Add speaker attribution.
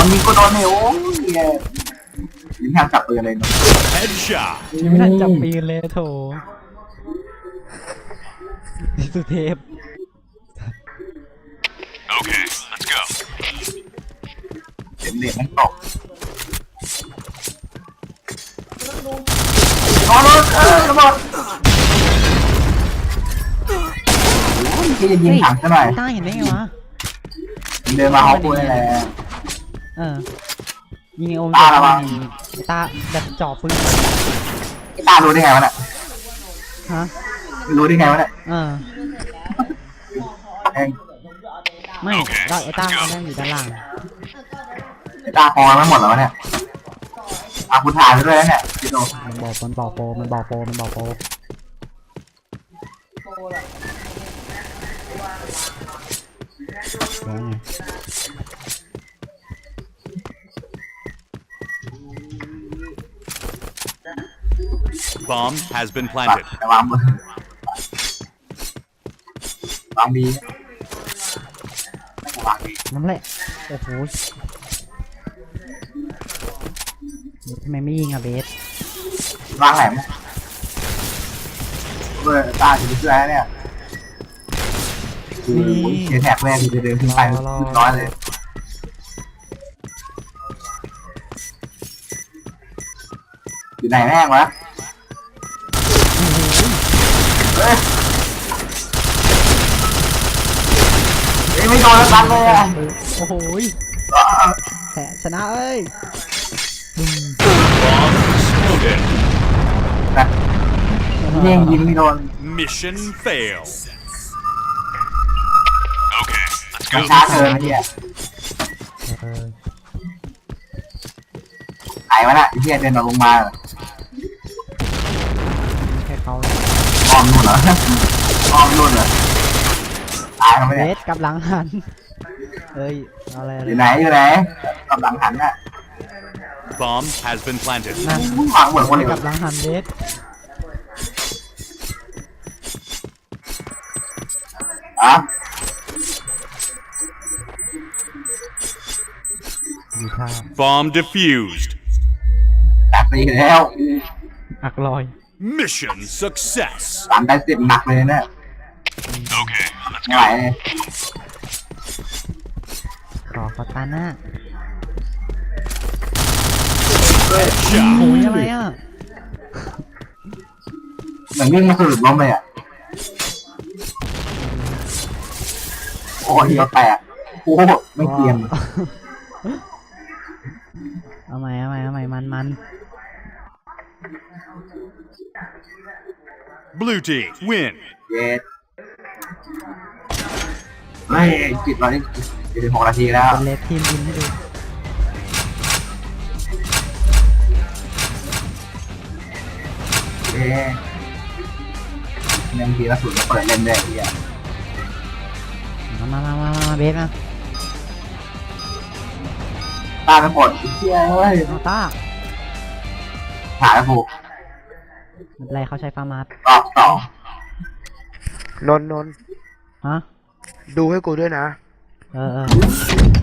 Speaker 1: นยิงก็โดนเนี่ยโอ้ยยิงทางจับปืนเลยเนาะ
Speaker 2: Headshot.
Speaker 3: ยังไม่ทันจับปีนเลยโถสุเทพ
Speaker 2: Okay, let's go.
Speaker 1: เด็กมันตกนอนระเบิดที่จะยิงถังซะหน่อย
Speaker 3: ต้าเห็นได้ไงวะ
Speaker 1: เดินมาฮอปกูนี่แหละ
Speaker 3: ยิงไอโอม
Speaker 1: ตาละวะ
Speaker 3: ตาแบบจ่อปืน
Speaker 1: ไอ้ตารู้ได้ไงวะเนี่ย
Speaker 3: ฮะ
Speaker 1: รู้ได้ไงวะเนี่ยเอง
Speaker 3: ไม่ก็ไอต้าเขานั่งอยู่ด้านล่าง
Speaker 1: ไอ้ตาคอมันหมดแล้ววะเนี่ยกูถ่ายไปด้วยแล้วเนี่ยพี่โต
Speaker 3: มันบอกโปรแล้วไง
Speaker 2: Bomb has been
Speaker 1: ปัด
Speaker 2: planted.
Speaker 1: แต่วางมือวางบีวางบี
Speaker 3: นั่นแหละโอ้โหทำไมไม่ยิงอะเบส
Speaker 1: วางแหลมตาถึงเสื้อเนี่ยคือเขียนแท็กแรกคือจะเดินขึ้นไปร้อยเลยอยู่ไหนแม่งวะเฮ้ยไม่โดนแล้วกันเลยอ่ะ
Speaker 3: โอ้โหแผลชนะเอ้ย
Speaker 2: Bomb exploded.
Speaker 1: นะยิงไม่โดน
Speaker 2: Mission failed. Okay, let's
Speaker 1: ไม่
Speaker 2: go.
Speaker 1: ช้าเกินไอ้เหี้ยไหนวะน่ะไอ้เหี้ยเดินลงมา
Speaker 3: แค่เขา
Speaker 1: อ้อมนู่นเหรออ้อมนู่นเหรอตายเขาไม่
Speaker 3: เบ
Speaker 1: ได้
Speaker 3: สกับหลังหันเอ้ยอะไร
Speaker 1: อยู่ไหนกำลังหันน่ะ
Speaker 2: Bomb has been planted.
Speaker 3: นั่น
Speaker 1: วางเหมือนคนอื่น
Speaker 3: กับหลังหันเบส
Speaker 1: อ่ะ
Speaker 3: มีท่า
Speaker 2: Bomb defused.
Speaker 1: ตัดไปแล้ว
Speaker 3: อักลอย
Speaker 2: Mission success.
Speaker 1: 3-10หนักเลยเนี่ย
Speaker 2: Okay, let's
Speaker 1: ไม่ไหว
Speaker 2: go.
Speaker 1: เลย
Speaker 3: ขอตาหน้า
Speaker 2: Headshot.
Speaker 3: โอ้ยอะไรอ่ะ
Speaker 1: เหมือนวิ่งมาสะดุดล้มเลยอ่ะโอ้ยเราแตกโอ้ไม่เตรียม
Speaker 3: เอาใหม่มัน
Speaker 2: Blue team win.
Speaker 1: เย็ดเฮ้ยจิตเราได้6 นาทีแล้ว
Speaker 3: เป็นเลสทีมยินให้ดู
Speaker 1: เอ๊ะยังทีละสุดก็เปิดเล่นได้ที่อ่ะ
Speaker 3: มาเบสนะ
Speaker 1: ตาเป็นผลเชี่ยเฮ้ย
Speaker 3: เอาต้า
Speaker 1: หาแล้วผูก
Speaker 3: ไม่เป็นไรเขาใช้ฟาร์มาส
Speaker 1: รอบสอง
Speaker 4: นนท์
Speaker 3: ฮะ
Speaker 4: ดูให้กูด้วยนะ
Speaker 3: เออ